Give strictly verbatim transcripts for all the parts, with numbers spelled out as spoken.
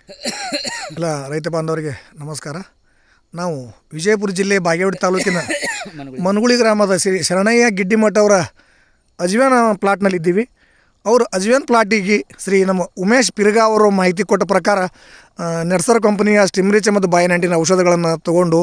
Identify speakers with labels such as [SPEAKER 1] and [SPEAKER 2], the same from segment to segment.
[SPEAKER 1] ಎಲ್ಲ ರೈತ ಬಾಂಧವರಿಗೆ ನಮಸ್ಕಾರ. ನಾವು ವಿಜಯಪುರ ಜಿಲ್ಲೆ ಬಾಗೇವಾಡಿ ತಾಲೂಕಿನ ಮನಗುಳಿ ಗ್ರಾಮದ ಶ್ರೀ ಶರಣಯ್ಯ ಗಿಡ್ಡಿಮಠ ಅವರ ಅಜ್ವೇನ್ ಪ್ಲಾಟ್ನಲ್ಲಿದ್ದೀವಿ. ಅವರು ಅಜ್ವೇನ್ ಪ್ಲಾಟಿಗೆ ಶ್ರೀ ನಮ್ಮ ಉಮೇಶ್ ಪಿರ್ಗಾ ಅವರು ಮಾಹಿತಿ ಕೊಟ್ಟ ಪ್ರಕಾರ ನೆಟ್ಸರ್ ಕಂಪನಿಯ ಸ್ಟಿಮ್ರಿಚ್ ಮತ್ತು ಬಾಯನಂಟಿನ ಔಷಧಗಳನ್ನು ತೊಗೊಂಡು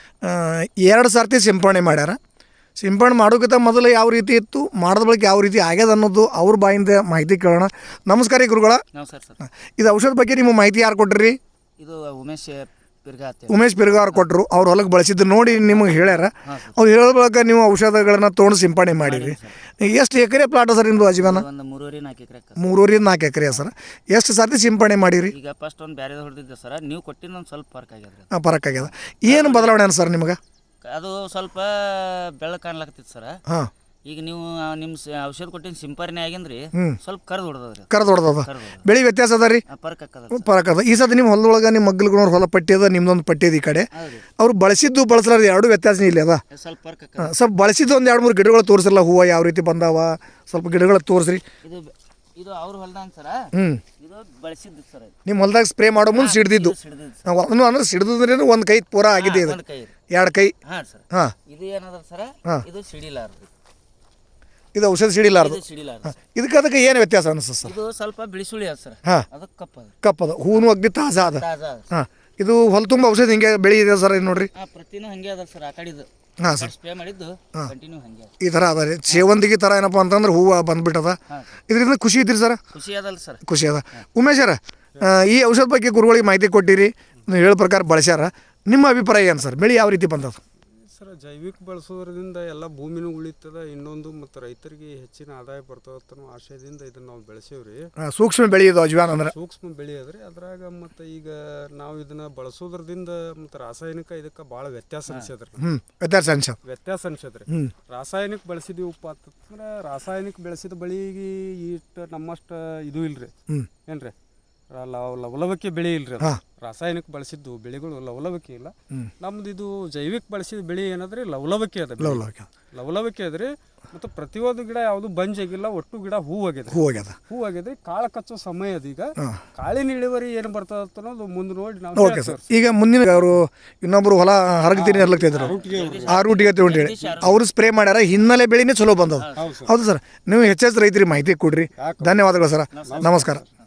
[SPEAKER 1] ಎರಡು ಸರ್ತಿ ಸಿಂಪಡಣೆ ಮಾಡ್ಯಾರ. ಸಿಂಪಡಣೆ ಮಾಡೋಕ್ಕಿಂತ ಮೊದಲು ಯಾವ ರೀತಿ ಇತ್ತು, ಮಾಡಿದ ಬಳಿಕ ಯಾವ ರೀತಿ ಆಗ್ಯದ ಅನ್ನೋದು ಅವ್ರ ಬಾಯಿಂದ ಮಾಹಿತಿ ಕೇಳೋಣ. ನಮಸ್ಕಾರ ಗುರುಗಳ. ಇದು ಔಷಧ ಬಗ್ಗೆ ನಿಮ್ಮ ಮಾಹಿತಿ ಯಾರು ಕೊಟ್ರಿ?
[SPEAKER 2] ಇದು ಉಮೇಶ್ ಪಿರ್ಗಾ
[SPEAKER 1] ಉಮೇಶ್ ಪಿರ್ಗಾ ಅವ್ರು ಕೊಟ್ಟರು. ಅವ್ರು ಹೊಲಕ್ಕೆ ಬಳಸಿದ್ದು ನೋಡಿ ನಿಮಗೆ ಹೇಳ್ಯಾರ. ಅವ್ರು ಹೇಳೋ ಬಳಿಕ ನೀವು ಔಷಧಗಳನ್ನು ತೊಗೊಂಡು ಸಿಂಪಡಣೆ ಮಾಡಿರಿ. ಎಷ್ಟು ಎಕರೆ ಪ್ಲಾಟ್ ಸರ್ ನಿಮ್ಮದು ಅಜ್ವೇನ?
[SPEAKER 2] ಮೂರುವರೆ ನಾಲ್ಕು ಎಕರೆ
[SPEAKER 1] ಮೂರುವರೆ ನಾಲ್ಕು ಎಕರೆ ಸರ್. ಎಷ್ಟು ಸರ್ತಿ ಸಿಂಪಡಣೆ ಮಾಡಿರಿ?
[SPEAKER 2] ಈಗ ಫಸ್ಟ್ ಒಂದು ಬೇರೆ ಹೊಡೆದಿದ್ದೆ ಸರ್, ನೀವು ಕೊಟ್ಟಿದ್ದು ಒಂದು ಸ್ವಲ್ಪ ಫರ್ಕ್ ಆಗ್ಯದ.
[SPEAKER 1] ಹಾಂ, ಫರಕ್ ಆಗ್ಯದ. ಏನು ಬದಲಾವಣೆ ಅನ್ ಸರ್ ನಿಮಗೆ?
[SPEAKER 2] ಅದು ಸ್ವಲ್ಪ ಬೆಳಕು ಕಾಣ್ಲಾಕತ್ತಿತ್ತು ಸರ್.
[SPEAKER 1] ಹಾಂ,
[SPEAKER 2] ಈಗ ನೀವು ನಿಮ್ಮ ಔಷಧ ಕೊಟ್ಟಿನ ಸಿಂಪರಣೆ ಆಗಿಂದ್ರಿ ಸ್ವಲ್ಪ ಕರ್ದು ಹೊಡೆದ್ರಿ.
[SPEAKER 1] ಕರ್ದು ಹೊಡೆದದ. ಬೆಳೆ ವ್ಯತ್ಯಾಸ ಅದ ರೀ?
[SPEAKER 2] ಫರ್ಕ್ ಆಗ್ತದ.
[SPEAKER 1] ಫರಕ್ ಅದ. ಈ ಸತಿ ನಿಮ್ಮ ಹೊಲದೊಳಗೆ ನಿಮ್ಮ ಮಗ್ಗಲ್ಗಳವ್ರ ಹೊಲ ಪಟ್ಟಿ ಅದ, ನಿಮ್ದೊಂದು ಪಟ್ಟಿ ಅದ ಈ ಕಡೆ. ಅವ್ರು ಬಳಸಿದ್ದು ಬಳಸಲಾರ್ದು ಎರಡು ವ್ಯತ್ಯಾಸ ಇಲ್ಲಿ ಅದ.
[SPEAKER 2] ಸ್ವಲ್ಪ ಫರ್ಕ್ ಆಗ್ತದ.
[SPEAKER 1] ಸ್ವಲ್ಪ ಬಳಸಿದ್ದು ಒಂದು ಎರಡು ಮೂರು ಗಿಡಗಳು ತೋರಿಸಲ್ಲ, ಹೂವು ಯಾವ ರೀತಿ ಬಂದಾವ ಸ್ವಲ್ಪ ಗಿಡಗಳು ತೋರಿಸ್ರಿ.
[SPEAKER 2] ಇದು ಇದು ಅವ್ರ ಹೊಲ್ದಾಗ ಸರ.
[SPEAKER 1] ಹ್ಞೂ,
[SPEAKER 2] ಇದು ಬಳಸಿದ್ದು ಸರ್.
[SPEAKER 1] ನಿಮ್ಮ ಹೊಲ್ದಾಗ ಸ್ಪ್ರೇ ಮಾಡೋ ಮುಂದೆ ಸಿಡ್ದಿದ್ದು ಒಂದು ಅಂದ್ರೆ ಸಿಡ್ದ್ರೆ ಒಂದು ಕೈ ಪೂರ ಆಗಿದೆ. ಇದು ಎರಡು ಕೈ.
[SPEAKER 2] ಹಾಂ ಸರ್.
[SPEAKER 1] ಹಾಂ,
[SPEAKER 2] ಇದು ಏನದ ಸರ, ಇದು ಸಿಡಿಲಾರ್ದು.
[SPEAKER 1] ಇದು ಔಷಧ ಸಿಡಿಲಾರ್ದು.
[SPEAKER 2] ಸಿಡಿಲಾರ್ದು.
[SPEAKER 1] ಇದಕ್ಕೆ ಅದಕ್ಕೆ ಏನು ವ್ಯತ್ಯಾಸ ಅನಿಸ್ತದೆ ಸರ್?
[SPEAKER 2] ಇದು ಸ್ವಲ್ಪ ಬಿಳಿಸುಳಿ ಅದ ಸರ್.
[SPEAKER 1] ಹಾಂ,
[SPEAKER 2] ಅದಕ್ಕೆ ಕಪ್ಪದ
[SPEAKER 1] ಕಪ್ಪದ ಹೂನು ಅಗ್ದಿ ತಾಜಾ ಅದ.
[SPEAKER 2] ತಾಜಾ ಅದ.
[SPEAKER 1] ಹಾಂ, ಇದು ಹೊಲ ತುಂಬ ಔಷಧ ಹಿಂಗೆ ಬೆಳೆಯಿದೆ ಸರ್. ಇದು ನೋಡ್ರಿ.
[SPEAKER 2] ಹಾಂ, ಪ್ರತಿನೂ ಹಂಗೆ ಅದ ಸರ್. ಆ ಕಡೆದು
[SPEAKER 1] ಹಾಂ ಸರ್,
[SPEAKER 2] ಸ್ಪ್ರೇ ಮಾಡಿದ್ದು ಕಂಟಿನ್ಯೂ ಹಂಗೆ
[SPEAKER 1] ಈ ಥರ ಅದ ರೀ. ಸೇವಂತಿಗೆ ಥರ ಏನಪ್ಪ ಅಂತಂದ್ರೆ ಹೂವು ಬಂದ್ಬಿಟ್ಟದ. ಇದರಿಂದ ಖುಷಿ ಇದ್ರಿ ಸರ್?
[SPEAKER 2] ಖುಷಿ ಅದಲ್ಲ ಸರ್,
[SPEAKER 1] ಖುಷಿ ಅದ. ಉಮೇಶರ, ಈ ಔಷಧ ಬಗ್ಗೆ ಗುರುಗಳಿಗೆ ಮಾಹಿತಿ ಕೊಟ್ಟಿರಿ, ನೀವು ಹೇಳೋ ಪ್ರಕಾರ ಬಳಸ್ಯಾರ. ನಿಮ್ಮ ಅಭಿಪ್ರಾಯ ಏನು ಸರ್? ಬೆಳೆ ಯಾವ ರೀತಿ ಬಂದದ
[SPEAKER 3] ಸರ್? ಜೈವಿಕ ಬಳಸೋದ್ರಿಂದ ಎಲ್ಲ ಭೂಮಿನೂ ಉಳಿತದ, ಇನ್ನೊಂದು ಮತ್ತು ರೈತರಿಗೆ ಹೆಚ್ಚಿನ ಆದಾಯ ಬರ್ತದ ಆಶಯದಿಂದ ಇದನ್ನು ನಾವು ಬೆಳೆಸೇವ್ರಿ.
[SPEAKER 1] ಸೂಕ್ಷ್ಮ ಬೆಳೆ ಇದು ಅಜ್ವೇನ್ ಅಂದ್ರೆ.
[SPEAKER 3] ಸೂಕ್ಷ್ಮ ಬೆಳೆ ಅದ್ರಿ. ಅದ್ರಾಗ ಮತ್ತು ಈಗ ನಾವು ಇದನ್ನ ಬಳಸೋದ್ರದಿಂದ ಮತ್ತು ರಾಸಾಯನಿಕ ಇದಕ್ಕೆ ಭಾಳ ವ್ಯತ್ಯಾಸ ಅನ್ಸದ್ರಿ.
[SPEAKER 1] ಹ್ಞೂ, ವ್ಯತ್ಯಾಸ ಅನ್ಸ ವ್ಯತ್ಯಾಸ
[SPEAKER 3] ಅನ್ಸದ್ರಿ. ರಾಸಾಯನಿಕ ಬಳಸಿದೀವಪ್ಪ ಅಂತಂದ್ರೆ ರಾಸಾಯನಿಕ ಬೆಳೆಸಿದ ಬಳಿಗೆ ಇಟ್ಟು ನಮ್ಮಷ್ಟು ಇದು ಇಲ್ರಿ. ಏನ್ರಿ, ಲವಲವಿಕೆ ಬೆಳೆ ಇಲ್ರಿ. ಅದು ರಾಸಾಯನಿಕ ಬಳಸಿದ್ದು ಬೆಳೆಗಳು ಲವಲವಿಕೆ ಇಲ್ಲ. ನಮ್ದು ಇದು ಜೈವಿಕ ಬಳಸಿದ ಬೆಳೆ ಏನಾದ್ರಿ ಲವಲವಿಕೆ ಅದ. ಲವಲವಿಕೆ ಅದ್ರಿ. ಮತ್ತು ಪ್ರತಿಯೊಂದು ಗಿಡ ಯಾವುದು ಬಂಜಾಗಿಲ್ಲ, ಒಟ್ಟು ಗಿಡ ಹೂ ಆಗ್ಯದ. ಹೂ ಆಗ್ಯದ ಹೂ ಆಗ್ಯದ್ರಿ. ಕಾಳು ಕಚ್ಚೋ ಸಮಯ ಅದ. ಈಗ ಕಾಳಿನ ಇಳುವರಿ ಏನು ಬರ್ತದ ಅನ್ನೋದು ಮುಂದೆ ನೋಡಿ ನಾವು.
[SPEAKER 1] Okay sir. ಈಗ ಮುಂದಿನ ಅವರು ಇನ್ನೊಬ್ರು ಹೊಲ ಹರಗ್ತೀನಿ ಹರ್ಲಕ್ತಿದ್ರು, ಆ ರೂಟಿಗೆ ಅಂತ ಹೇಳಿ ಅವರು ಸ್ಪ್ರೇ ಮಾಡ್ಯಾರ. ಹಿನ್ನೆಲೆ ಬೆಳೆನೇ ಚಲೋ ಬಂದದ. ಹೌದು ಸರ್. ನೀವು ಹೆಚ್ಚೆಚ್ಚು ರೈತರಿಗೆ ಮಾಹಿತಿ ಕೊಡ್ರಿ. ಧನ್ಯವಾದಗಳು ಸರ್. ನಮಸ್ಕಾರ.